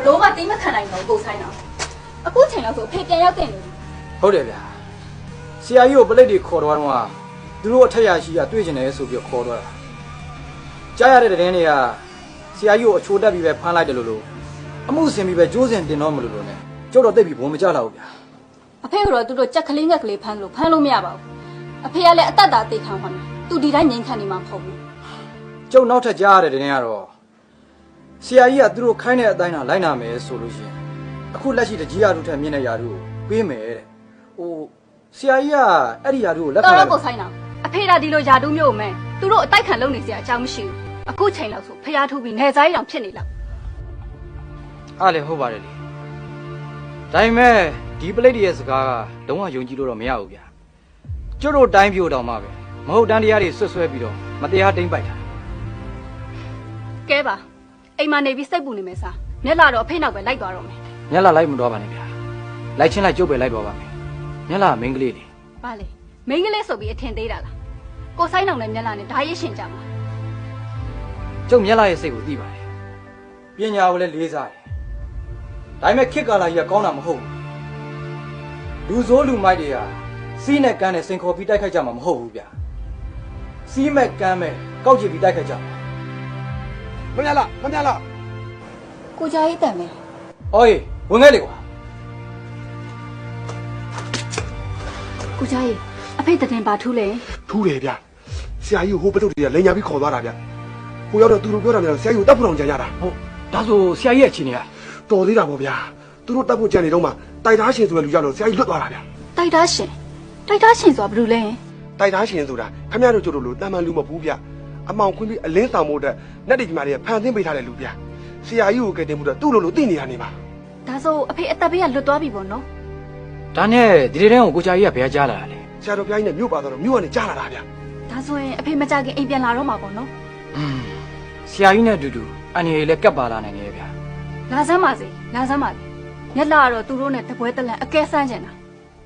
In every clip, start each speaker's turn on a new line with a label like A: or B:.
A: လောကတိမခံနိုင်တော့ကိုဆိုင်တော့အခုချိန်လောက်ဆိုအဖေပြန်ရောက်တဲ့နေပြီ
B: ဟုတ်တယ်ဗျာဆရာကြီးကိုပလိတ်တွေခေါ်တော့တော့သူတို့အထက်ရရှိရတွေ့ကျင်တယ်ဆိုပြီးခေါ်တော့တာကြားရတဲ့တဲ့င်းတွေကဆရာကြီးကိုအချိုးတက်ပြီးပဲဖမ်းလိုက်တယ်လို့အမှုစင်ပြီးပဲကျိုးစင်တင်တော့မလို့လို့ ਨੇ ကျုပ်တော့သိပြီဘုံမကြတော့ဘူးဗျာ
A: အဖေကတော့သူတို့ကြက်ကလေးငက်ကလေးဖမ်းလို့မရပါဘူးအဖေကလည်းအသက်တာသိခံပါမယ်သူဒီတိုင်းငြိမ်ခံနေမှာမဟုတ်ဘူး
B: ကျုပ်နောက်ထပ်ကြားရတဲ့တဲ့င်းကတော့ဆရာကြီးကသူတို့ခိုင်းတဲ့အတိုင်းသာလိုက်နာမယ်ဆိုလို့ရှိရင်အခုလက်ရှိတကြီးရတို့ထက်မြင့်တဲ့ယာတို့ကိုပေးမယ်တဲ့ဟိုဆရာကြီးကအဲ့ဒီယာတို့ကိုလက်ခံ
A: တော်တော့ကိုဆိုင်တော့အဖေကဒီလိုယာတို့မျိုးကိုမဲသူတို့အတိုက်ခံလုပ်နေစရာအကြောင်းမရှိဘူးအခုချိန်လောက်ဆိုဖျားထုတ်ပြီးနေစားရအောင်ဖြစ်နေလောက်
B: အားလည်းဟုတ်ပါတယ်လေဒါပေမဲ့ဒီပလိတ်တွေရဲ့စကားကလုံးဝယုံကြည်လို့တော့မရဘူးဗျာကျုပ်တို့တိုင်းပြိုတောင်မှပဲမဟုတ်တန်းတရားတွေဆွဆွဲပြီးတော့မတရားတိမ့်ပိုက်တာ
A: ကဲပါအိမ်မှာနေပြီးစိတ်ပူနေမယ်စားမျက်လာတော့အဖေနောက်ပဲလိုက်သွားတော့မယ်
B: မျက်လာလိုက်မတော်ပါနဲ့ဗျာလိုက်ချင်းလိုက်ကျုပ်ပဲလိုက်တော်ပါမယ်မျက်လာမင်းကလေးလေ
A: ဘာလဲမိန်းကလေးဆိုပြီးအထင်သေးတာလားကိုဆိုင်အောင်နဲ့မျက်လာနဲ့ဓာရစ်ရှင်ကြမှာ
B: ကျုပ်မျက်လာရဲ့စိတ်ကိုသိပါတယ်ပညာကိုလည်းလေးစားတယ်ဒါပေမဲ့ခေတ်ကာလကြီးကကောင်းတာမဟုတ်ဘူးလူဆိုးလူမိုက်တွေကစီးနဲ့ကန်းနဲ့စိန်ခေါ်ပြီးတိုက်ခိုက်ကြမှာမဟုတ်ဘူးဗျာစီးမဲ့ကန်းမဲ့ကောက်ချပြီးတိုက်ခိုက်ကြမှာ
C: မမြလား
A: ကိုကြားရေးတန်မယ်
B: အော်ဝင်ခဲ့လေကွာ
A: ကိုကြားရေးအဖေတည်ပါထူးလေ
C: ထူးတယ်ဗျဆရာကြီးဟိုပတုတ်တွေကလိန်ညာပြီးခေါ်သွားတာဗျဟိုရောက်တော့သူတို့ပြောတာလည်းဆရာကြီးကိုတတ်ဖို့အောင်ကြံရတာ
B: ဟုတ်ဒါဆိုဆရာကြီးရဲ့အခြေအနေက
C: တော်သေးတာပေါ့ဗျာသူတို့တတ်ဖို့ကြံနေတော့မှတိုက်သားရှင်ဆိုတဲ့လူကြောင့်တော့ဆရာကြီးလွတ်သွားတာဗျ
A: တိုက်သားရှင်ဆိုတာဘယ်လိုလဲ
C: တိုက်သားရှင်ဆိုတာခမရတို့ကျတို့လို့တာမန်လူမဘူးဗျအမောင်ခွင်းပြီးအလင်းဆောင်ဖို့အတွက်နဲ့တိကြီးမတွေကဖန်ဆင်းပေးထားတဲ့လူဗျဆရာကြီးကိုကဲတင်မှုတော့သူ့လိုသိနေတာနေပါ
A: ဒါဆိုအဖေအသက်ဘေးကလွတ်သွားပြီပေါ့နော်
B: ဒါနဲ့ဒီတဲ့တန်းကိုကိုချာကြီးကဘယ်ကြားလာတာလဲ
C: ဆရာတော်ဘုရားကြီးနဲ့မြို့ပါတော့မြို့ကနေကြားလာတာဗျ
A: ဒါဆိုရင်အဖေမကြခင်အိမ်ပြန်လာတော့မှာပေါ့နော်
B: ဆရာကြီးနဲ့အတူတူအန်ရီလည်းကပ်ပါလာနိုင်တယ်ဗျာ
A: လာစမ်းပါစေမျက်လာကတော့သူတို့နဲ့တပွဲတလန့်အကဲဆန်းကျင်တာ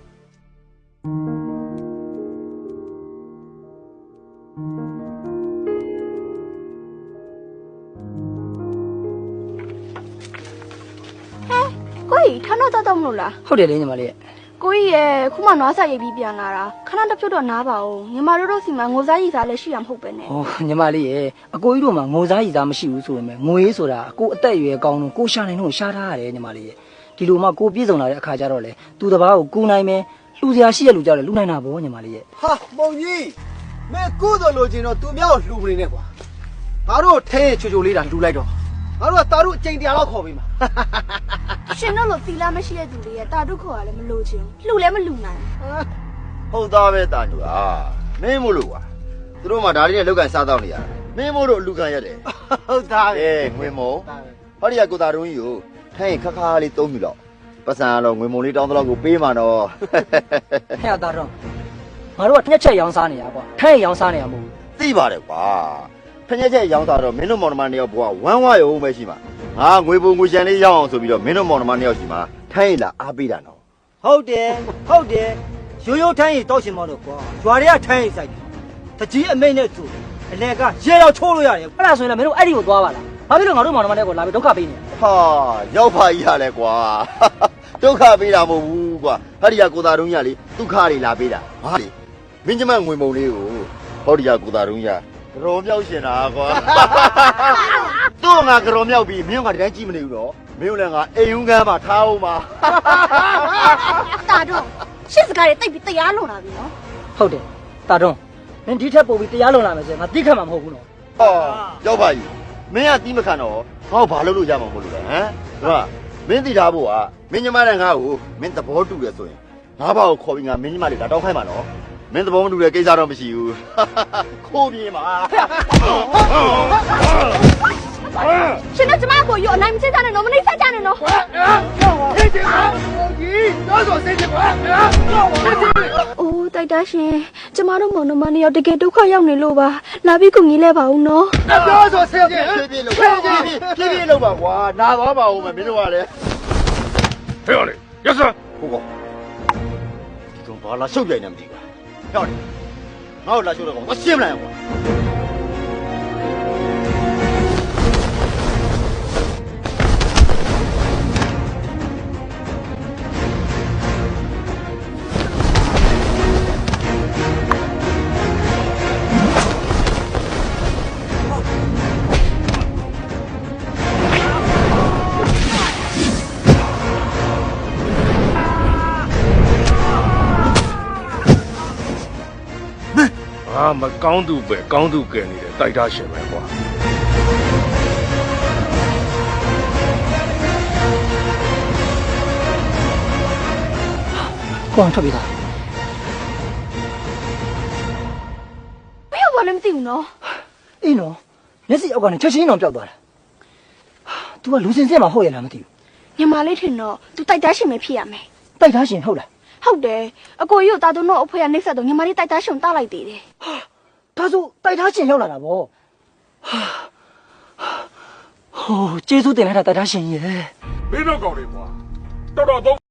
D: ကိုကြီးခဏတော့မလို့လား
E: ဟုတ်တယ်လေညီမလေး
D: ကိုကြီးရဲ့ခုမှနွားစာရိပ်ပြီးပြန်လာတာခဏတစ်ဖြုတ်တော့နားပါဦးညီမတို့စီမှာငိုစားရိပ်စားလည်းရှိရမဟုတ်ပဲနဲ့
E: ဟောညီမလေးရဲ့အကိုကြီးတို့မှာငိုစားရည်စားမရှိဘူးဆိုပေမဲ့ငွေဆိုတာအကိုအသက်အရွယ်ကောင်းလို့ကိုရှာနိုင်လို့ရှာထားရတယ်ညီမလေးရဲ့ဒီလိုမှကိုပြည့်စုံလာတဲ့အခါကျတော့လေသူတစ်ပါးကိုကူနိုင်မယ်လူစရာရှိတဲ့လူကြောက်လေလူနိုင်တာပေါ့ညီမလေးရဲ့
F: ဟာမုံကြီးမဲကုသိုလ်လိုချင်တော့သူမြောက်လှူနေနဲ့ကွာငါတို့ထဲချိုချိုလေးတာလှူလိုက်တော့ငါတို့ကတာတို့အကျိန်တရားလောက်ခေါ်ပေးမှာ
D: ရှင်တို့လိုသီလမရှိတဲ့သူတွေရဲ့တာတုခေါ်ရလည်းမလို့ချင်းလှူလည်းမလှူနိုင်
G: ဟုတ်သားပဲတာညူမင်းမို့လို့ကွာသူတို့မှဒါလေးနဲ့လောက်ကန်စားတော့နေရတာမင်းမို့လို့အလူကန်ရတယ်
F: ဟုတ်သားပဲ
G: ငွေမုံဟောဒီကကိုတာတုံးကြီးကိုထိုင်းခါခါလေးသုံးပြီတော့ပတ်စံတော့ငွေမုံလေးတောင်းတော့ကိုပေးမှာတော့
E: ဟဲ့တာတော့ငါတို့ကတစ်ချက်ရောင်းစားနေရကွာထဲရောင်းစားနေရမဟုတ်ဘူး
G: သိပါတယ်ကွာဖညက်ချက်ရောင်းစားတော့မင်းတို့မောင်နှမနှစ်ယောက်ဘွားဝမ်းဝါရုံပဲရှိမှာငါငွေပုံငွေချန်လေးရောင်းအောင်ဆိုပြီးတော့မင်းတို့မောင်နှမနှစ်ယောက်ရှိမှာထိုင်းလာအားပေးတာနော်
F: ဟုတ်တယ်ရိုးရိုးထိုင်းရီတောက်ရှင်မောတော့ကွာရွာတွေကထိုင်းရီဆိုင်တယ်တကြီးအမိတ်နဲ့သူအလဲကရေတော့ချိုးလို့ရတယ်
E: အဲ့ဒါဆိုရင်လည်းမင်းတို့အဲ့ဒီကိုသွားပါလားဘာဖြစ်လို့ငါတို့မောင်နှမတွေကိုလာပြီးဒုက္ခပေးနေလဲ
G: ဟာရောက်ဖာကြီးရလဲကွာဒုက္ခပေးတာမဟုတ်ဘူးကွာဟောဒီကကိုတာတုံးကြီးကလေဒုက္ခတွေလာပေးတာဟာလေမင်းကျမငွေမုံလေးကိုဟောဒီကကိုတာတုံးကြီးကကြော်မြောက်ရှင်တာကွာသူ့ငါကြော်မြောက်ပြီးမင်းကတည်းကကြည့်မနေဘူးတော့မင်းလည်းငါအိမ်ဦးကမ်းမှာထားအောင်ပါ
D: တာတော့ရှစ်စကားတွေတိတ်ပြီးတရားလွန်လာပြီနော်
E: ဟုတ်တယ်တာတော့မင်းဒီထက်ပိုပြီးတရားလုံလာမယ်ဆိုရင်ငါတိခတ်မှာမဟုတ်ဘူးနော်
G: ဟောရောက်ပါကြီးမင်းကတီးမခံတော့ငါ့ကိုဘာလုပ်လို့ရမှာမဟုတ်လို့လဲဟမ်ဟုတ်မင်းသိထားဖို့ကမင်းညီမနဲ့ငါ့ကိုမင်းသဘောတူတယ်ဆိုရင်ငါဘာကိုခေါ်ပြီးငါမင်းညီမလေးလာတောင်းခိုင်းမှာနော်မင်းသဘောမတူတဲ့ကိစ္စတော့မရှိဘူးခိုးပြေးမှာ
D: ရှင်တို့ကျမကိုယူအနိုင်မချင်းစားနဲ့နော်မနှိမ့်ဆက်ကြနဲ့နော် အိုးတိုက်တာရှင်ကျမတို့မောင်နှမနှစ်ယောက်တကယ်ဒုက္ခရောက်နေလို့ပါလာပြီးကူညီလဲပါဦးနော်
G: ပြောဆိုဆင်းပြေးလို့ပြေးလို့ပါကွာနာသွားပါဦးမယ်မင်းတို့ကလည်း
C: ဟဲ့လေရစ
G: ဟုတ်ကောဒီကောင်ဘာလာရှုပ်ပြိုင်နေမသိဘူးဟဲ့လေငါ့ကိုလာရှုပ်တော့ကောင်မရှင်းမလိုက်ကွာ
D: ဟ
C: မကောင်းသူပဲကောင်းသူကယ်နေတဲ့တိုက်သားရှင်ပဲကွာ
E: ကိုအောင်ထွက်ပြေးတာ
D: ဘယ်ရောက်သွားလဲမသိဘူးနော်
E: အေးနော်မျက်စိအောက်ကနေချက်ချင်းတော့ပျောက်သွားတာ तू ကလူစင်စစ်မှာဟုတ်ရလားမသိဘူး
D: ညီမလေးထင်တော့ तू တိုက်သားရှင်ပဲဖြစ်ရမယ်
E: တိုက်သားရှင်ဟုတ်လား
D: ဟုတ်တယ်အကိုကြီးတို့တာတို့တော့အဖေကနှိမ့်ဆက်တော့ညီမလေးတိုက်သားရှင်ကိုတားလိုက်သေးတယ်
E: ဒါဆိုတိုက်သားရှင်ရောက်လာတာဗောဟိုကျေးဇူးတင်လိုက်တာတိုက်သားရှင်ရဲ့
C: မင်းတို့ကောင်တွေကွာတော်တော်